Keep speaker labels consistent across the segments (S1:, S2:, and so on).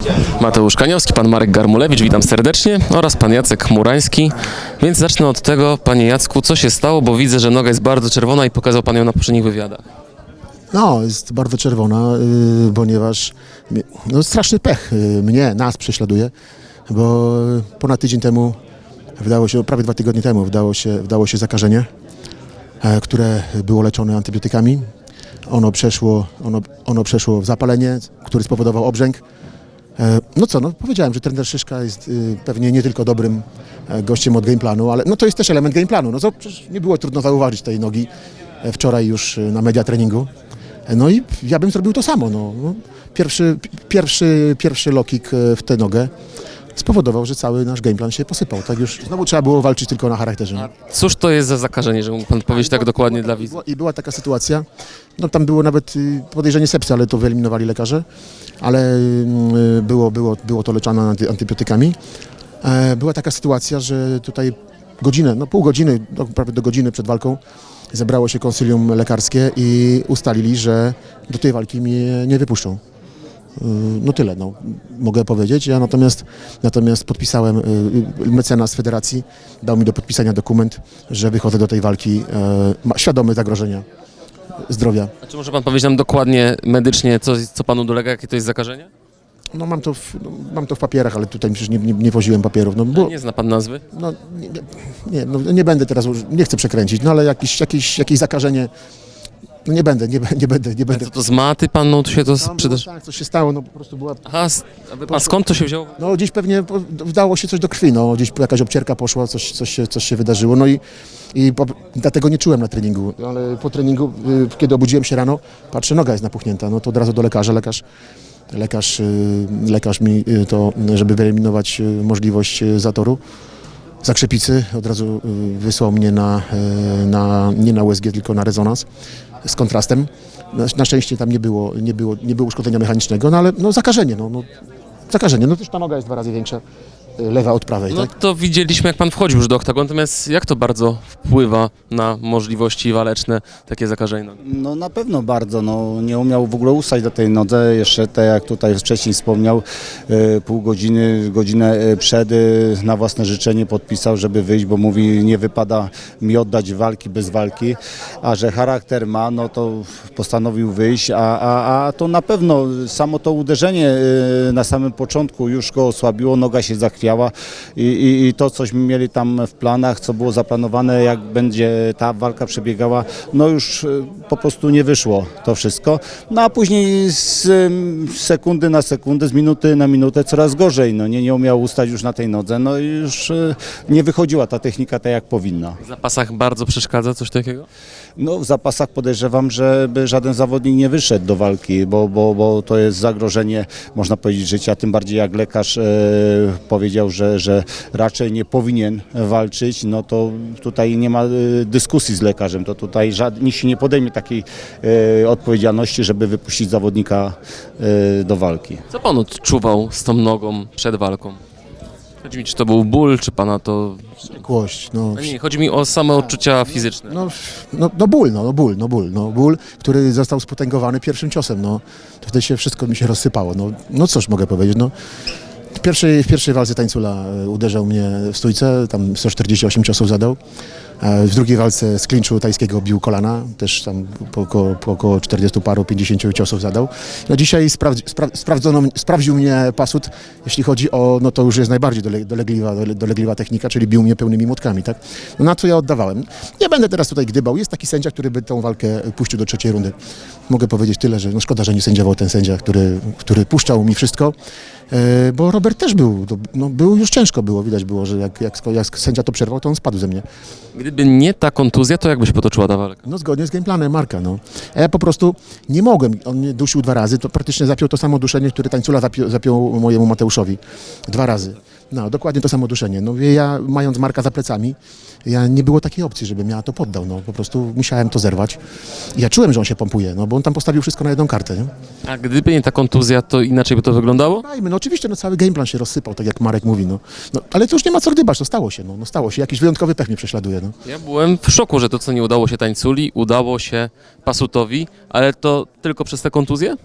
S1: Mateusz Kaniowski, pan Marek Garmulewicz, witam serdecznie, oraz pan Jacek Murański. Więc zacznę od tego, panie Jacku, co się stało, bo widzę, że noga jest bardzo czerwona i pokazał pan ją na poprzednich wywiadach.
S2: No, jest bardzo czerwona, ponieważ straszny pech nas prześladuje, bo ponad tydzień temu prawie 2 tygodnie temu wdało się zakażenie, które było leczone antybiotykami. Ono przeszło w zapalenie, które spowodował obrzęk. Powiedziałem, że trener Szyszka jest pewnie nie tylko dobrym gościem od gameplanu, ale to jest też element gameplanu. Przecież nie było trudno zauważyć tej nogi wczoraj już na media treningu. No i ja bym zrobił to samo. Pierwszy low kick w tę nogę spowodował, że cały nasz gameplan się posypał. Tak już znowu trzeba było walczyć tylko na charakterze.
S1: A cóż to jest za zakażenie, że mógł pan powiedzieć tak dokładnie dla widzów?
S2: I była taka sytuacja, tam było nawet podejrzenie sepsy, ale to wyeliminowali lekarze, ale było to leczone antybiotykami. Była taka sytuacja, że tutaj godzinę, pół godziny, prawie do godziny przed walką zebrało się konsylium lekarskie i ustalili, że do tej walki mnie nie wypuszczą. Tyle, mogę powiedzieć. Ja natomiast podpisałem, mecenas federacji dał mi do podpisania dokument, że wychodzę do tej walki świadomy zagrożenia zdrowia.
S1: A czy może pan powiedzieć nam dokładnie medycznie, co panu dolega, jakie to jest zakażenie?
S2: Mam to w papierach, ale tutaj przecież nie woziłem papierów.
S1: Nie zna pan nazwy?
S2: Nie będę teraz, nie chcę przekręcić, ale jakieś zakażenie. Nie będę.
S1: A co to z maty panu się to przyda?
S2: Tak, coś się stało, po prostu była...
S1: Aha, a skąd to się wzięło?
S2: Gdzieś pewnie wdało się coś do krwi, gdzieś jakaś obcierka poszła, coś się wydarzyło, dlatego nie czułem na treningu, ale po treningu, kiedy obudziłem się rano, patrzę, noga jest napuchnięta, to od razu do lekarza, lekarz mi to, żeby wyeliminować możliwość zatoru, zakrzepicy, od razu wysłał mnie nie na USG, tylko na rezonans z kontrastem. Na szczęście tam nie było uszkodzenia mechanicznego, ale zakażenie. Zakażenie. Też ta noga jest 2 razy większa, lewa od prawej. Tak?
S1: To widzieliśmy, jak pan wchodził już do oktagonu, natomiast jak to bardzo wpływa na możliwości waleczne takie zakażenie?
S3: Na pewno bardzo. Nie umiał w ogóle ustać do tej nodze. Jeszcze tak jak tutaj wcześniej wspomniał, pół godziny, godzinę przed na własne życzenie podpisał, żeby wyjść, bo mówi, nie wypada mi oddać walki bez walki, a że charakter ma, to postanowił wyjść, a to na pewno samo to uderzenie na samym początku już go osłabiło, noga się zachwiała i to, cośmy mieli tam w planach, co było zaplanowane, jak będzie ta walka przebiegała, już po prostu nie wyszło to wszystko. A później z sekundy na sekundę, z minuty na minutę coraz gorzej. Nie umiał ustać już na tej nodze, i już nie wychodziła ta technika tak, jak powinna.
S1: W zapasach bardzo przeszkadza coś takiego?
S3: W zapasach podejrzewam, żeby żaden zawodnik nie wyszedł do walki, bo to jest zagrożenie, można powiedzieć, życia, tym bardziej jak lekarz powiedział, że raczej nie powinien walczyć, to tutaj nie ma dyskusji z lekarzem, to tutaj nikt się nie podejmie takiej odpowiedzialności, żeby wypuścić zawodnika do walki.
S1: Co pan odczuwał z tą nogą przed walką? Chodzi mi, czy to był ból, czy pana to...
S2: Wściekłość.
S1: Nie, chodzi mi o same odczucia fizyczne.
S2: Ból, który został spotęgowany pierwszym ciosem, to wtedy wszystko mi się rozsypało, cóż mogę powiedzieć, W pierwszej walce Tańcula uderzał mnie w stójce, tam 148 ciosów zadał. W drugiej walce z klinczu tajskiego bił kolana, też tam po około 40 paru, 50 ciosów zadał. Sprawdził mnie Pasut, jeśli chodzi o, to już jest najbardziej dolegliwa technika, czyli bił mnie pełnymi młotkami, tak? Na co ja oddawałem. Nie będę teraz tutaj gdybał, jest taki sędzia, który by tą walkę puścił do 3. rundy. Mogę powiedzieć tyle, że szkoda, że nie sędziował ten sędzia, który puszczał mi wszystko, bo Robert też był już ciężko było, widać było, że jak sędzia to przerwał, to on spadł ze mnie.
S1: Gdyby nie ta kontuzja, to jak by się potoczyła ta walka?
S2: Zgodnie z gameplanem Marka, A ja po prostu nie mogłem, on mnie dusił 2 razy, to praktycznie zapiął to samo duszenie, które Tańcula zapiął mojemu Mateuszowi. 2 razy. Dokładnie to samo duszenie. Ja, mając Marka za plecami, nie było takiej opcji, żebym ja to poddał. Po prostu musiałem to zerwać. I ja czułem, że on się pompuje, bo on tam postawił wszystko na jedną kartę. Nie?
S1: A gdyby nie ta kontuzja, to inaczej by to wyglądało?
S2: Oczywiście, cały gameplan się rozsypał, tak jak Marek mówi. Ale to już nie ma co gdybać, stało się. Stało się. Jakiś wyjątkowy pech mnie prześladuje.
S1: Ja byłem w szoku, że to, co nie udało się Tańculi, udało się Pasutowi, ale to tylko przez tę kontuzję?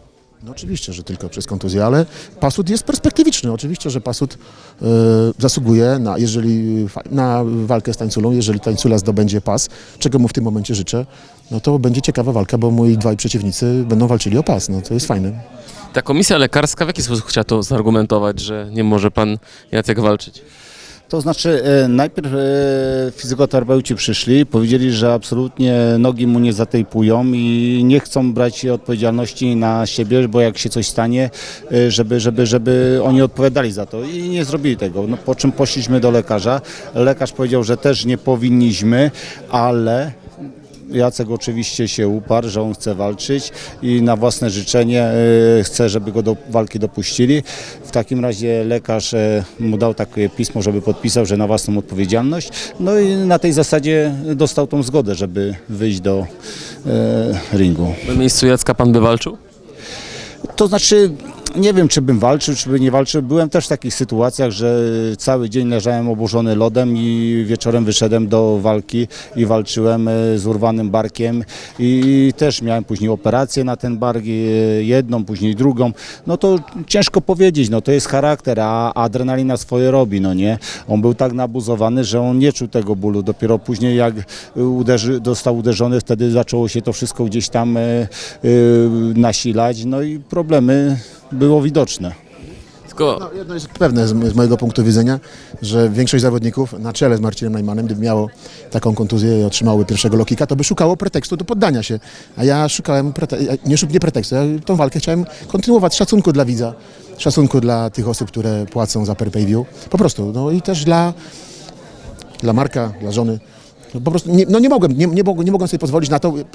S2: No oczywiście, że tylko przez kontuzję, ale Pasut jest perspektywiczny. Oczywiście, że Pasut zasługuje na walkę z Tańculą. Jeżeli Tańcula zdobędzie pas, czego mu w tym momencie życzę, no to będzie ciekawa walka, bo moi dwaj przeciwnicy będą walczyli o pas. No to jest fajne.
S1: Ta komisja lekarska w jaki sposób chciała to zargumentować, że nie może pan Jacek walczyć?
S3: To znaczy najpierw fizykoterapeuci przyszli, powiedzieli, że absolutnie nogi mu nie zatejpują i nie chcą brać odpowiedzialności na siebie, bo jak się coś stanie, żeby oni odpowiadali za to i nie zrobili tego. No, po czym poszliśmy do lekarza. Lekarz powiedział, że też nie powinniśmy, ale Jacek oczywiście się uparł, że on chce walczyć i na własne życzenie chce, żeby go do walki dopuścili. W takim razie lekarz mu dał takie pismo, żeby podpisał, że na własną odpowiedzialność. No i na tej zasadzie dostał tą zgodę, żeby wyjść do ringu.
S1: Na miejscu Jacka pan by walczył?
S3: To znaczy, nie wiem, czy bym walczył, czy by nie walczył. Byłem też w takich sytuacjach, że cały dzień leżałem oburzony lodem i wieczorem wyszedłem do walki i walczyłem z urwanym barkiem i też miałem później operację na ten bark, jedną, później drugą. No to ciężko powiedzieć, no to jest charakter, a adrenalina swoje robi, no nie. On był tak nabuzowany, że on nie czuł tego bólu. Dopiero później jak został uderzony, wtedy zaczęło się to wszystko gdzieś tam nasilać, no i problemy było widoczne.
S1: Tylko
S2: No, jedno jest pewne z mojego punktu widzenia, że większość zawodników na czele z Marcinem Najmanem, gdyby miało taką kontuzję i otrzymałoby pierwszego low kicka, to by szukało pretekstu do poddania się. A ja szukałem nie pretekstu, ja tą walkę chciałem kontynuować, szacunku dla widza, szacunku dla tych osób, które płacą za pay-per-view. Po prostu, no i też dla Marka, dla żony. No po prostu nie mogłem sobie pozwolić na to.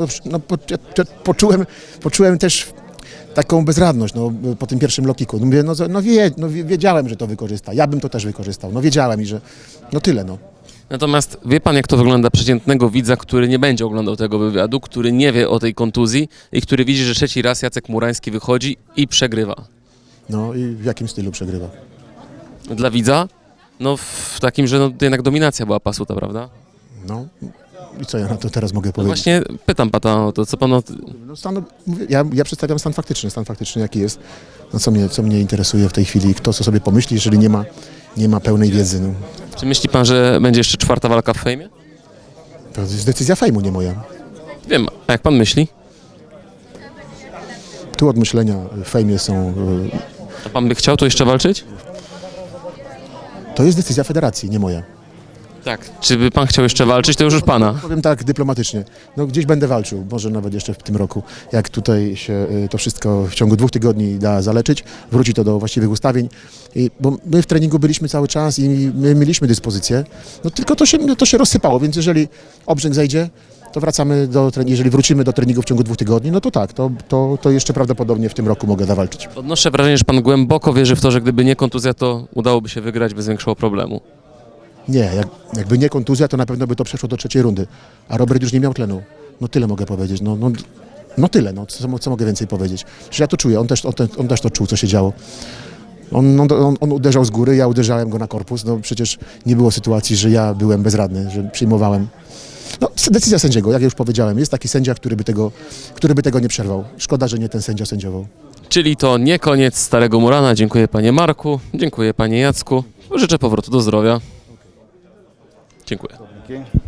S2: Poczułem też taką bezradność po tym pierwszym low kicku. Mówię, wiedziałem, że to wykorzysta. Ja bym to też wykorzystał. No wiedziałem i że tyle.
S1: natomiast wie pan, jak to wygląda przeciętnego widza, który nie będzie oglądał tego wywiadu, który nie wie o tej kontuzji i który widzi, że trzeci raz Jacek Murański wychodzi i przegrywa.
S2: No i w jakim stylu przegrywa?
S1: Dla widza? No w takim, że jednak dominacja była Pasuta, prawda?
S2: No i co ja na to teraz mogę
S1: No
S2: powiedzieć?
S1: właśnie pytam pana o to, co pan
S2: Mówię, ja przedstawiam stan faktyczny jaki jest. No co mnie interesuje w tej chwili, kto co sobie pomyśli, jeżeli nie ma pełnej wiedzy. No.
S1: Czy myśli pan, że będzie jeszcze czwarta walka w fejmie?
S2: To jest decyzja fejmu, nie moja.
S1: Wiem, a jak pan myśli?
S2: Tu od myślenia w fejmie są...
S1: A pan by chciał tu jeszcze walczyć?
S2: To jest decyzja federacji, nie moja.
S1: Tak. Czy by pan chciał jeszcze walczyć, to już pana.
S2: Powiem tak dyplomatycznie, gdzieś będę walczył, może nawet jeszcze w tym roku, jak tutaj się to wszystko w ciągu 2 tygodni da zaleczyć, wróci to do właściwych ustawień, bo my w treningu byliśmy cały czas i my mieliśmy dyspozycję, tylko to się rozsypało, więc jeżeli obrzęk zejdzie, to wracamy jeżeli wrócimy do treningu w ciągu 2 tygodni, no to tak, to jeszcze prawdopodobnie w tym roku mogę zawalczyć.
S1: Odnoszę wrażenie, że pan głęboko wierzy w to, że gdyby nie kontuzja, to udałoby się wygrać bez większego problemu.
S2: Nie, jakby nie kontuzja, to na pewno by to przeszło do 3. rundy, a Robert już nie miał tlenu. No tyle mogę powiedzieć, tyle, co mogę więcej powiedzieć. Przecież ja to czuję, on też to czuł, co się działo. On uderzał z góry, ja uderzałem go na korpus, przecież nie było sytuacji, że ja byłem bezradny, że przyjmowałem. Decyzja sędziego, jak już powiedziałem, jest taki sędzia, który by tego nie przerwał. Szkoda, że nie ten sędzia sędziował.
S1: Czyli to nie koniec Starego Murana. Dziękuję panie Marku, dziękuję panie Jacku. Życzę powrotu do zdrowia. Dziękuję.